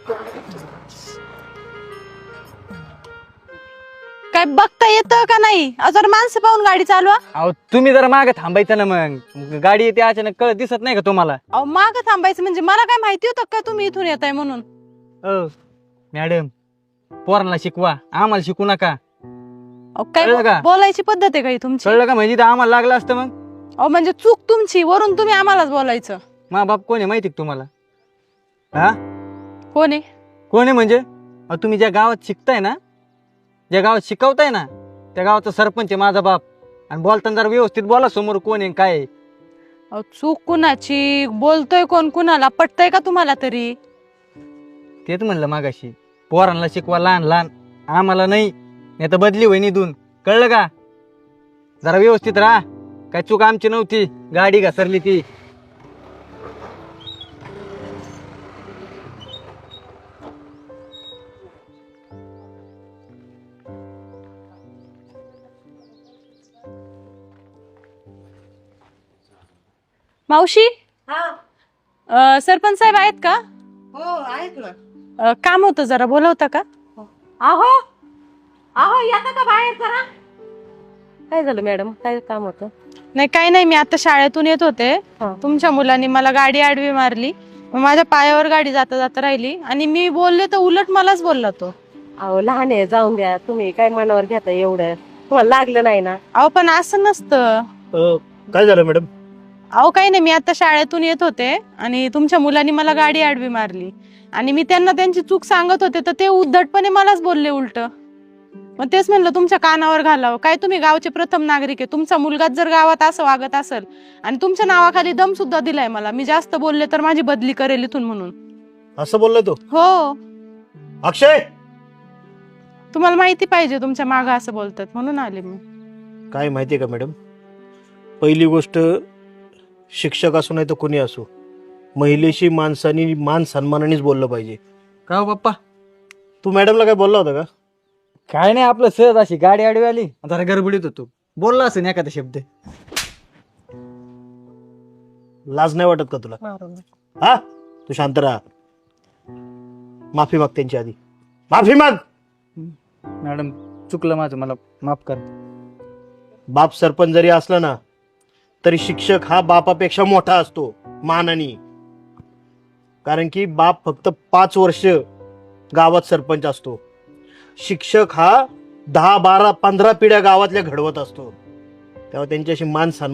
काय बघता येतं का नाही? जर माणसं पाहून गाडी चालवा. अहो तुम्ही जरा मागे थांबायचं ना, मग गाडी येते अचानक, कळत दिसत नाही का तुम्हाला? अहो माग थांबायचं म्हणजे मला काय माहिती होतं का तुम्ही इथून येताय म्हणून? मॅडम, पोरांना शिकवा, आम्हाला शिकू नका. अहो काय कळलं का? बोलायची पद्धत आहे का ही तुमची? कळलं का? म्हणजे आम्हाला लागलं असतं मग. अहो म्हणजे चूक तुमची, वरून तुम्ही आम्हालाच बोलायचं. मा बाप कोण आहे माहिती का तुम्हाला? हा, कोण आहे? कोण आहे म्हणजे? अहो तुम्ही ज्या गावात शिकताय ना, ज्या गावात शिकवताय ना, त्या गावाचा सरपंच आहे माझा बाप. आणि बोलताना जरा व्यवस्थित बोला, समोर कोण आहे काय आहे. अहो चूक कुणाची? बोलतोय कोण कुणाला? पटतय का तुम्हाला तरी? तेच म्हणलं मागाशी, पोरांना शिकवा लहान लहान, आम्हाला नाही, नाही तर बदली होईन इथून. कळलं का? जरा व्यवस्थित राहा. काय चूक आमची नव्हती, गाडी घसरली ती. मावशी, सरपंच साहेब आहेत का? हो आहेत ना. काम होतं, जरा बोलवता का? आहो आहो येता का बाहेर जरा? काय झालं मॅडम, काय काम होतं? नाही काही नाही, मी आता शाळेतून येत होते. हा. तुमच्या मुलांनी मला गाडी आडवी मारली, मग माझ्या पायावर गाडी जाता जाता राहिली आणि मी बोलले तर उलट मलाच बोलला तो. अहो लहान आहे, जाऊन द्या. तुम्ही काय मनावर घेता एवढं? तुम्हाला लागलं नाही ना? अहो पण असं नसतं. काय झालं मॅडम? अहो काही नाही, मी आता शाळेतून येत होते आणि तुमच्या मुलांनी मला गाडी आडवी मारली आणि मी त्यांना त्यांची चूक सांगत होते, तर ते उद्धटपणे मलाच बोलले उलट. मग तेच म्हणलं तुमच्या कानावर घालावं. काय तुम्ही गावचे प्रथम नागरिक आहे, तुमचा मुलगाच जर गावात असं वागत असेल आणि तुमच्या नावाखाली दम सुद्धा दिलाय मला, मी जास्त बोलले तर माझी बदली करेल इथून म्हणून. असं बोलला तो? हो, अक्षय, तुम्हाला माहिती पाहिजे तुमच्या मागं असं बोलतात म्हणून आले मी. काय माहितीये का मॅडम, पहिली गोष्ट, शिक्षक असो नाही तर कोणी असो, महिलेशी माणसानी मान सन्मानानेच बोललं पाहिजे. का हो पप्पा? तू मॅडमला काय बोलला होता का? काय नाही, आपलं सहज अशी गाडी आडवी आली, जरा गडबडीत होतो, बोलला असेल एखादा शब्द. लाज नाही वाटत का तुला? हा, तू शांत राहा. माफी माग त्यांची आधी, माफी माग. मॅडम चुकलं माझं, मला माफ कर. बाप सरपंच जरी असला ना, तरी शिक्षक हा बापापेक्षा मोठा असतो मानाने. कारण की बाप फक्त 5 वर्ष गावात सरपंच असतो, शिक्षक हा 10, 12, 15 पिढ्या गावातल्या घडवत असतो. तेव्हा त्यांच्याशी मान सन्मान